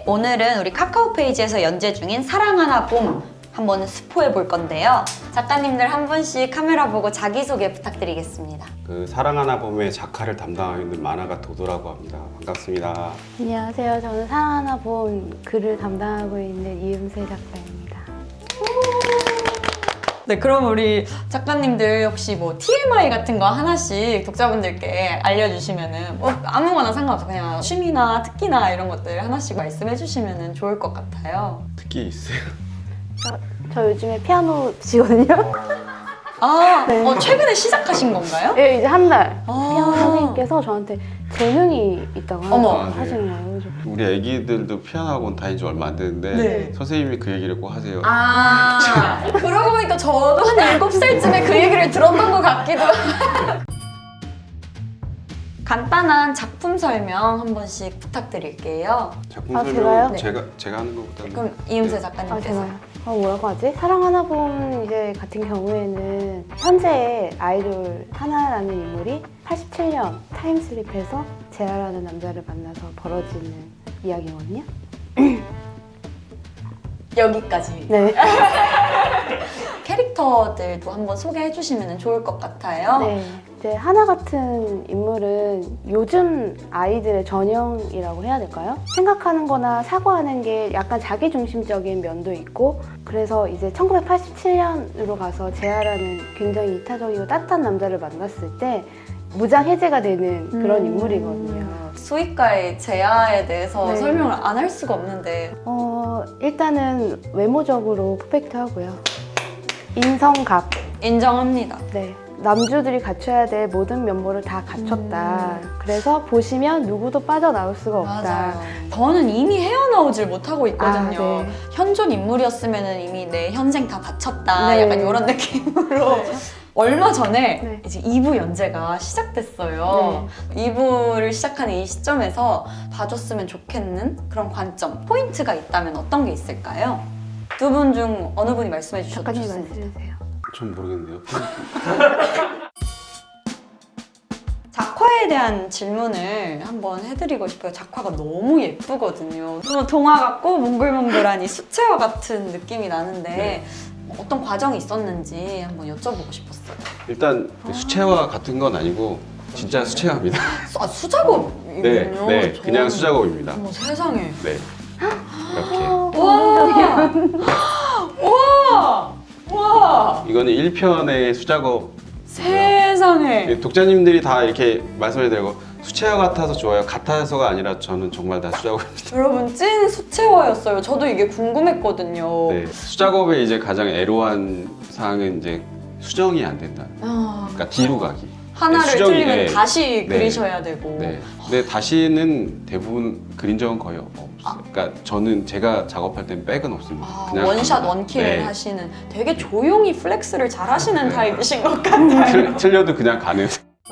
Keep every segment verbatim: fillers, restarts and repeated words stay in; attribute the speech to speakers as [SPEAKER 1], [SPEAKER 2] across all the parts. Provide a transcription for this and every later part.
[SPEAKER 1] 네, 오늘은 우리 카카오 페이지에서 연재 중인 사랑하나 봄 한번 스포해 볼 건데요. 작가님들 한 분씩 카메라 보고 자기소개 부탁드리겠습니다.
[SPEAKER 2] 그 사랑하나 봄의 작가를 담당하고 있는 만화가 도도라고 합니다. 반갑습니다.
[SPEAKER 3] 안녕하세요. 저는 사랑하나 봄 글을 담당하고 있는 이음세 작가입니다.
[SPEAKER 1] 네, 그럼 우리 작가님들 혹시 뭐 티엠아이 같은 거 하나씩 독자분들께 알려주시면은 뭐 아무거나 상관없어, 그냥 취미나 특기나 이런 것들 하나씩 말씀해 주시면은 좋을 것 같아요.
[SPEAKER 2] 특기 있어요?
[SPEAKER 3] 저, 저 요즘에 피아노 치거든요.
[SPEAKER 1] 아,
[SPEAKER 3] 네.
[SPEAKER 1] 어, 최근에 시작하신 건가요?
[SPEAKER 3] 예, 이제 한 달.
[SPEAKER 1] 아.
[SPEAKER 3] 피아노 선생님께서 저한테 재능이 있다고
[SPEAKER 1] 어머.
[SPEAKER 2] 아, 네.
[SPEAKER 3] 하시는 거예요. 그래서
[SPEAKER 2] 우리 애기들도 피아노 학원 다닌 지 얼마 안 됐는데
[SPEAKER 1] 네.
[SPEAKER 2] 선생님이 그 얘기를 꼭 하세요.
[SPEAKER 1] 아, 그러고 보니까 저도 한 일곱 살쯤에 그 얘기를 들었던 것 같기도. 간단한 작품 설명 한 번씩 부탁드릴게요.
[SPEAKER 2] 작품
[SPEAKER 3] 아,
[SPEAKER 2] 설명
[SPEAKER 3] 제가요?
[SPEAKER 1] 네.
[SPEAKER 2] 제가 제가 하는 것보다는
[SPEAKER 1] 그럼 이음세
[SPEAKER 2] 네.
[SPEAKER 3] 아,
[SPEAKER 1] 작가님께서.
[SPEAKER 3] 제가요? 어, 뭐라고 하지? 사랑하나 봄 이제 같은 경우에는 현재의 아이돌 하나라는 인물이 팔십칠 년 타임슬립해서 재하라는 남자를 만나서 벌어지는 이야기거든요.
[SPEAKER 1] 여기까지.
[SPEAKER 3] 네.
[SPEAKER 1] 캐릭터들도 한번 소개해 주시면 좋을 것 같아요.
[SPEAKER 3] 네. 이제 하나 같은 인물은 요즘 아이들의 전형이라고 해야 될까요? 생각하는 거나 사고하는 게 약간 자기중심적인 면도 있고, 그래서 이제 천구백팔십칠 년으로 가서 재하라는 굉장히 이타적이고 따뜻한 남자를 만났을 때 무장 해제가 되는 그런
[SPEAKER 1] 음.
[SPEAKER 3] 인물이거든요.
[SPEAKER 1] 수익가의 재하에 대해서
[SPEAKER 3] 네.
[SPEAKER 1] 설명을 안 할 수가 없는데.
[SPEAKER 3] 어, 일단은 외모적으로 퍼펙트하고요. 인성갑.
[SPEAKER 1] 인정합니다.
[SPEAKER 3] 네. 남주들이 갖춰야 될 모든 면모를 다 갖췄다.
[SPEAKER 1] 음.
[SPEAKER 3] 그래서 보시면 누구도 빠져나올 수가 없다.
[SPEAKER 1] 맞아요. 저는 이미 헤어나오질 못하고 있거든요.
[SPEAKER 3] 아, 네.
[SPEAKER 1] 현존 인물이었으면 이미 내 현생 다 바쳤다.
[SPEAKER 3] 네.
[SPEAKER 1] 약간 이런 느낌으로. 얼마 전에
[SPEAKER 3] 네.
[SPEAKER 1] 이제 이 부 연재가 시작됐어요. 이 부를 시작하는 이 시점에서 봐줬으면 좋겠는 그런 관점, 포인트가 있다면 어떤 게 있을까요? 두 분 중 어느 분이 말씀해 주셔도
[SPEAKER 3] 작가님
[SPEAKER 1] 좋습니다.
[SPEAKER 3] 말씀해주세요.
[SPEAKER 2] 좀 모르겠네요.
[SPEAKER 1] 작화에 대한 질문을 한번 해드리고 싶어요. 작화가 너무 예쁘거든요. 너무 동화 같고 몽글몽글한 이 수채화 같은 느낌이 나는데
[SPEAKER 2] 네.
[SPEAKER 1] 어떤 과정이 있었는지 한번 여쭤보고 싶었어요.
[SPEAKER 2] 일단 수채화 같은 건 아니고 진짜 수채화입니다.
[SPEAKER 1] 아, 수작업이군요.
[SPEAKER 2] 네, 네,
[SPEAKER 1] 저는-
[SPEAKER 2] 그냥 수작업입니다.
[SPEAKER 1] 어머, 세상에.
[SPEAKER 2] 네, 이렇게.
[SPEAKER 1] 와! 와! 와!
[SPEAKER 2] 이거는 일 편의 수작업.
[SPEAKER 1] 세상에.
[SPEAKER 2] 독자님들이 다 이렇게 말씀해 드리고 수채화 같아서 좋아요. 같아서가 아니라 저는 정말 다 수작업입니다.
[SPEAKER 1] 여러분, 찐 수채화였어요. 저도 이게 궁금했거든요.
[SPEAKER 2] 네, 수작업의 이제 가장 애로한 사항은 이제 수정이 안 된다.
[SPEAKER 1] 아,
[SPEAKER 2] 그러니까 뒤로 가기.
[SPEAKER 1] 하나를
[SPEAKER 2] 수정이,
[SPEAKER 1] 틀리면
[SPEAKER 2] 네.
[SPEAKER 1] 다시
[SPEAKER 2] 네.
[SPEAKER 1] 그리셔야 되고.
[SPEAKER 2] 네. 근데 다시는 대부분 그린 적은 거의 없어요. 그러니까 저는 제가 작업할 땐 백은 없습니다.
[SPEAKER 1] 아,
[SPEAKER 2] 그냥
[SPEAKER 1] 원샷
[SPEAKER 2] 갑니다.
[SPEAKER 1] 원킬
[SPEAKER 2] 네.
[SPEAKER 1] 하시는 되게 조용히 플렉스를 잘 하시는
[SPEAKER 2] 네.
[SPEAKER 1] 타입이신 것 같아요.
[SPEAKER 2] 틀, 틀려도 그냥 가는.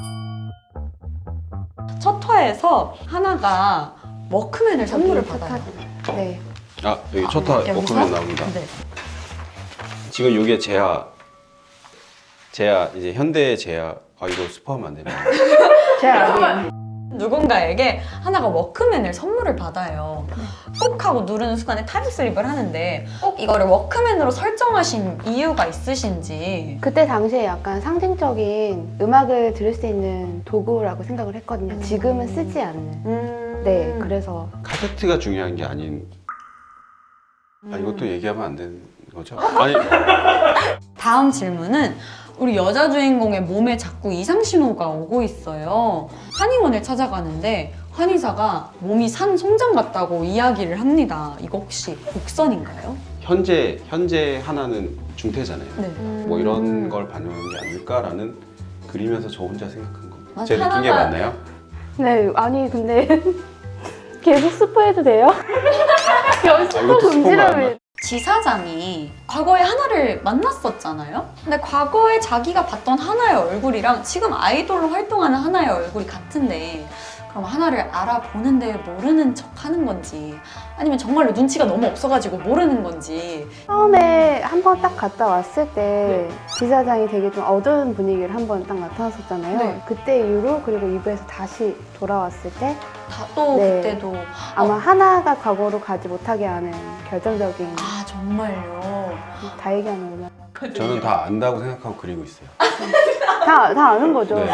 [SPEAKER 1] 첫 화에서 하나가 워크맨을 선물을
[SPEAKER 3] 저기
[SPEAKER 1] 받아요.
[SPEAKER 3] 착하지. 네.
[SPEAKER 2] 아 여기 첫화
[SPEAKER 1] 여기서?
[SPEAKER 2] 워크맨 나옵니다.
[SPEAKER 1] 네.
[SPEAKER 2] 지금 이게 제야 제야 이제 현대의 제야. 아 이거 스포하면 안 되나?
[SPEAKER 3] 제가
[SPEAKER 1] 누군가에게 하나가 워크맨을 선물을 받아요. 꼭 하고 누르는 순간에 타임슬립을 하는데 꼭 이거를 워크맨으로 설정하신 이유가 있으신지.
[SPEAKER 3] 그때 당시에 약간 상징적인 음악을 들을 수 있는 도구라고 생각을 했거든요. 지금은 쓰지 않는.
[SPEAKER 1] 음...
[SPEAKER 3] 네, 그래서
[SPEAKER 2] 카세트가 중요한 게 아닌. 아
[SPEAKER 1] 음.
[SPEAKER 2] 이것도 얘기하면 안 되는 거죠? 아니
[SPEAKER 1] 다음 질문은 우리 여자 주인공의 몸에 자꾸 이상 신호가 오고 있어요. 한의원을 찾아가는데 한의사가 몸이 산 송장 같다고 이야기를 합니다. 이거 혹시 곡선인가요?
[SPEAKER 2] 현재 현재 하나는 중태잖아요.
[SPEAKER 1] 네.
[SPEAKER 2] 뭐 이런 걸 반영한 게 아닐까라는 그리면서 저 혼자 생각한 겁니다.
[SPEAKER 1] 맞아,
[SPEAKER 2] 제 느낀 게
[SPEAKER 1] 하나가-
[SPEAKER 2] 맞나요?
[SPEAKER 3] 네, 아니 근데 계속 스포해도 돼요? 여기 스포
[SPEAKER 2] 이것도 스포가
[SPEAKER 3] 금지라며.
[SPEAKER 1] 지사장이 과거에 하나를 만났었잖아요? 근데 과거에 자기가 봤던 하나의 얼굴이랑 지금 아이돌로 활동하는 하나의 얼굴이 같은데 그럼 하나를 알아보는데 모르는 척 하는 건지 아니면 정말로 눈치가 너무 없어가지고 모르는 건지.
[SPEAKER 3] 처음에 한 번 딱 갔다 왔을 때 지사장이 되게 좀 어두운 분위기를 한 번 딱 나타났었잖아요.
[SPEAKER 1] 네.
[SPEAKER 3] 그때 이후로 그리고 이 부에서 다시 돌아왔을 때
[SPEAKER 1] 다 또
[SPEAKER 3] 네.
[SPEAKER 1] 그때도
[SPEAKER 3] 아마 하나가 과거로 가지 못하게 하는 결정적인
[SPEAKER 1] 아 정말요.
[SPEAKER 3] 다 얘기하면 얼마나
[SPEAKER 2] 저는 다 안다고 생각하고 그리고 있어요.
[SPEAKER 3] 다, 다 아는 거죠.
[SPEAKER 2] 네.
[SPEAKER 3] 네.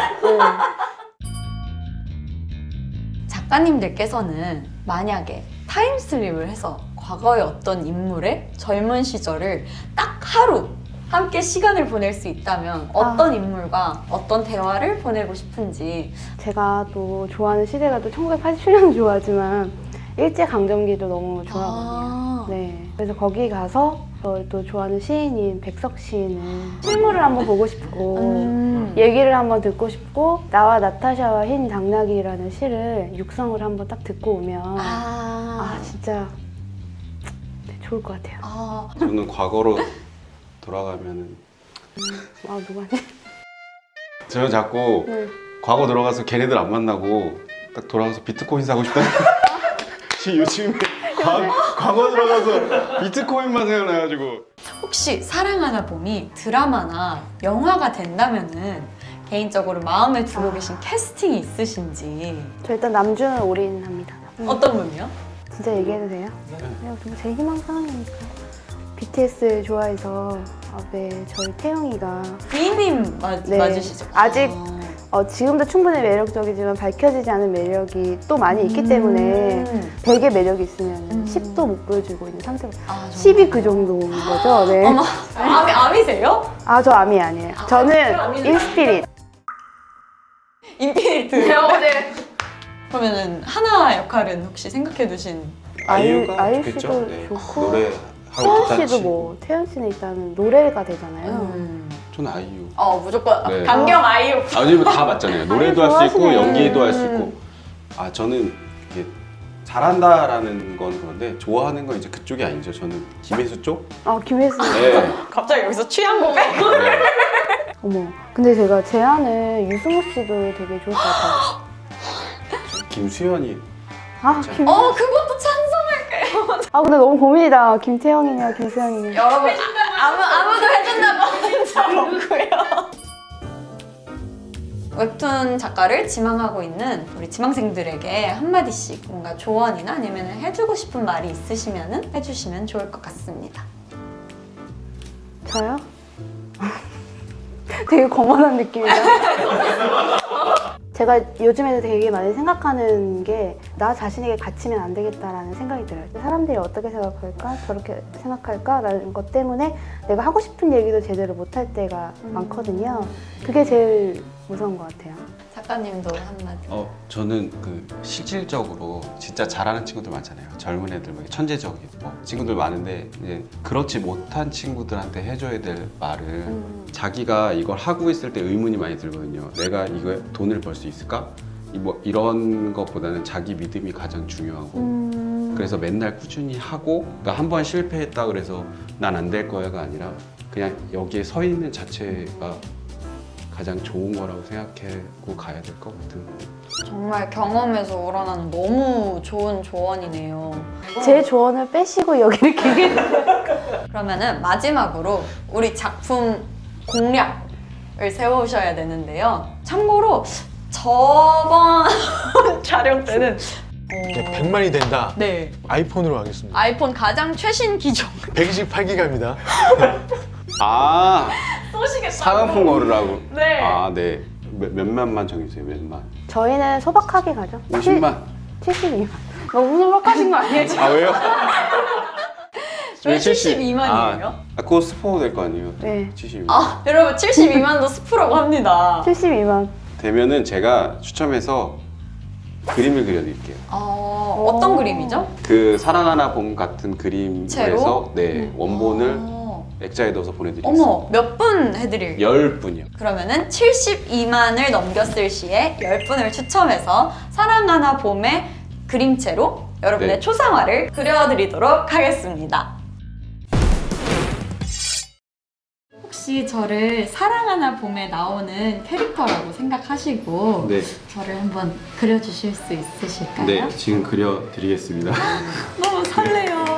[SPEAKER 1] 작가님들께서는 만약에 타임슬립을 해서 과거의 어떤 인물의 젊은 시절을 딱 하루 함께 시간을 보낼 수 있다면 어떤
[SPEAKER 3] 아.
[SPEAKER 1] 인물과 어떤 대화를 보내고 싶은지.
[SPEAKER 3] 제가 또 좋아하는 시대가 또 천구백팔십칠 년 좋아하지만 일제강점기도 너무 좋아하거든요.
[SPEAKER 1] 아.
[SPEAKER 3] 네. 그래서 거기 가서 저 또 좋아하는 시인인 백석 시인을 실물을 한번 보고 싶고
[SPEAKER 1] 음.
[SPEAKER 3] 얘기를 한번 듣고 싶고 나와 나타샤와 흰 당나귀라는 시를 육성을 한번 딱 듣고 오면 아,
[SPEAKER 1] 아.
[SPEAKER 3] 진짜 네, 좋을 것 같아요.
[SPEAKER 1] 아.
[SPEAKER 2] 저는 과거로 돌아가면은
[SPEAKER 3] 아 누가지?
[SPEAKER 2] 저는 자꾸
[SPEAKER 3] 네.
[SPEAKER 2] 과거 들어가서 걔네들 안 만나고 딱 돌아가서 비트코인 사고 싶다. 지금 요즘에 과, 과거 들어가서 비트코인만 생각나가지고.
[SPEAKER 1] 혹시 사랑하나 봄이 드라마나 영화가 된다면은 개인적으로 마음에 두고 계신 캐스팅이 있으신지.
[SPEAKER 3] 저 일단 남준을 올인합니다. 음,
[SPEAKER 1] 어떤 분이요?
[SPEAKER 3] 진짜 얘기해도 돼요? 네. 정말 제 희망 사항이니까. 비티에스 좋아해서 아, 네, 저희 태영이가
[SPEAKER 1] 비님 맞,
[SPEAKER 3] 네.
[SPEAKER 1] 맞으시죠?
[SPEAKER 3] 아직
[SPEAKER 1] 아.
[SPEAKER 3] 어, 지금도 충분히 매력적이지만 밝혀지지 않은 매력이 또 많이 있기 때문에
[SPEAKER 1] 음.
[SPEAKER 3] 백의 매력이 있으면
[SPEAKER 1] 음.
[SPEAKER 3] 십도 못 보여주고 있는 상태고
[SPEAKER 1] 아,
[SPEAKER 3] 십이 그 정도인 거죠. 네.
[SPEAKER 1] 어머, 암이, 암이세요?
[SPEAKER 3] 아, 저 암이 아니에요. 저는
[SPEAKER 1] 암이는
[SPEAKER 3] 인스피릿.
[SPEAKER 1] 인피니트. 네. 그러면은 하나 역할은 혹시 생각해 두신.
[SPEAKER 3] 아이유-
[SPEAKER 2] 아이유가
[SPEAKER 3] 아이유
[SPEAKER 2] 좋겠죠.
[SPEAKER 3] 씨도
[SPEAKER 2] 네.
[SPEAKER 3] 좋고.
[SPEAKER 2] 노래 하고
[SPEAKER 3] 태연
[SPEAKER 2] 기타
[SPEAKER 3] 씨도
[SPEAKER 2] 치고.
[SPEAKER 3] 뭐 태연 씨는 일단은 노래가 되잖아요.
[SPEAKER 1] 음.
[SPEAKER 2] 저는 아이유.
[SPEAKER 1] 어 무조건
[SPEAKER 2] 네.
[SPEAKER 1] 강경 아이유.
[SPEAKER 2] 아니면 다 맞잖아요. 노래도 할 수 있고
[SPEAKER 3] 좋아하시네.
[SPEAKER 2] 연기도 할 수
[SPEAKER 1] 음.
[SPEAKER 2] 있고. 아 저는 이게 잘한다라는 건 그런데 좋아하는 건 이제 그쪽이 아니죠. 저는 김혜수 쪽.
[SPEAKER 3] 아, 김혜수.
[SPEAKER 2] 네.
[SPEAKER 1] 갑자기 여기서 취향 고백?
[SPEAKER 2] 네.
[SPEAKER 3] 어머. 근데 제가 제안을 유승우 씨도 되게 좋을 것 같아요.
[SPEAKER 2] 김수현이.
[SPEAKER 3] 아,
[SPEAKER 2] 자.
[SPEAKER 3] 김...
[SPEAKER 1] 어 그것도 찬성할게요.
[SPEAKER 3] 아 근데 너무 고민이다. 김태형이냐 김수현이냐.
[SPEAKER 1] 여러분 아무 아무도 해준다고 하는 적 없고요. 웹툰 작가를 지망하고 있는 우리 지망생들에게 한마디씩 뭔가 조언이나 아니면 해주고 싶은 말이 있으시면 해주시면 좋을 것 같습니다.
[SPEAKER 3] 저요? 되게 거만한 느낌이다. 제가 요즘에도 되게 많이 생각하는 게 나 자신에게 갇히면 안 되겠다라는 생각이 들어요. 사람들이 어떻게 생각할까? 저렇게 생각할까?라는 것 때문에 내가 하고 싶은 얘기도 제대로 못할 때가
[SPEAKER 1] 음.
[SPEAKER 3] 많거든요. 그게 제일 무서운 것 같아요.
[SPEAKER 1] 작가님도 한마디.
[SPEAKER 2] 어 저는 그 실질적으로 진짜 잘하는 친구들 많잖아요. 젊은 애들 막 천재적인 뭐 친구들 많은데 이제 그렇지 못한 친구들한테 해줘야 될 말은
[SPEAKER 3] 음.
[SPEAKER 2] 자기가 이걸 하고 있을 때 의문이 많이 들거든요. 내가 이거 돈을 벌 수 있을까? 이 뭐 이런 것보다는 자기 믿음이 가장 중요하고
[SPEAKER 3] 음.
[SPEAKER 2] 그래서 맨날 꾸준히 하고 그러니까 한 번 실패했다 그래서 난 안 될 거야가 아니라 그냥 여기에 서 있는 자체가 가장 좋은 거라고 생각하고 가야 될 것 같은.
[SPEAKER 1] 정말 경험에서 우러나는 너무 좋은 조언이네요.
[SPEAKER 3] 제 조언을 빼시고 여기를 길게.
[SPEAKER 1] 그러면은 마지막으로 우리 작품 공략을 세우셔야 되는데요. 참고로 저번 촬영 때는
[SPEAKER 4] 이게
[SPEAKER 1] 어...
[SPEAKER 4] 백만이 된다.
[SPEAKER 1] 네
[SPEAKER 4] 아이폰으로 하겠습니다.
[SPEAKER 1] 아이폰 가장 최신 기종
[SPEAKER 4] 백이십팔 기가입니다.
[SPEAKER 2] 아
[SPEAKER 1] 쏘시겠다고.
[SPEAKER 2] 사은품 걸으라고.
[SPEAKER 1] 네.
[SPEAKER 2] 아 네. 몇, 몇만만 정해주세요. 몇만.
[SPEAKER 3] 저희는 소박하게 가죠.
[SPEAKER 2] 오십만.
[SPEAKER 3] 칠십이만. 너무 소박하신 거 아니에요? 지금?
[SPEAKER 2] 아 왜요?
[SPEAKER 1] 저희 칠십이만이에요.
[SPEAKER 2] 아, 아 그거 스포 될 거 아니에요?
[SPEAKER 3] 네.
[SPEAKER 2] 칠십이만.
[SPEAKER 1] 아 여러분 칠십이만도 스프라고 합니다.
[SPEAKER 3] 칠십이만.
[SPEAKER 2] 되면은 제가 추첨해서 그림을 그려드릴게요.
[SPEAKER 1] 어, 어떤
[SPEAKER 3] 오.
[SPEAKER 1] 그림이죠?
[SPEAKER 2] 그 사랑하나 봄 같은 그림에서
[SPEAKER 1] 채로?
[SPEAKER 2] 네 원본을
[SPEAKER 1] 어.
[SPEAKER 2] 액자에 넣어서 보내드리겠습니다.
[SPEAKER 1] 어머 몇 분 해드릴게요?
[SPEAKER 2] 열 분이요.
[SPEAKER 1] 그러면은 칠십이만을 넘겼을 시에 열 분을 추첨해서 사랑하나 봄의 그림체로 여러분의
[SPEAKER 2] 네.
[SPEAKER 1] 초상화를 그려드리도록 하겠습니다. 혹시 혹시 저를 사랑하나 봄에 나오는 캐릭터라고 생각하시고
[SPEAKER 2] 네,
[SPEAKER 1] 저를 한번 그려주실 수 있으실까요?
[SPEAKER 2] 네 지금 그려드리겠습니다.
[SPEAKER 1] 너무 설레요.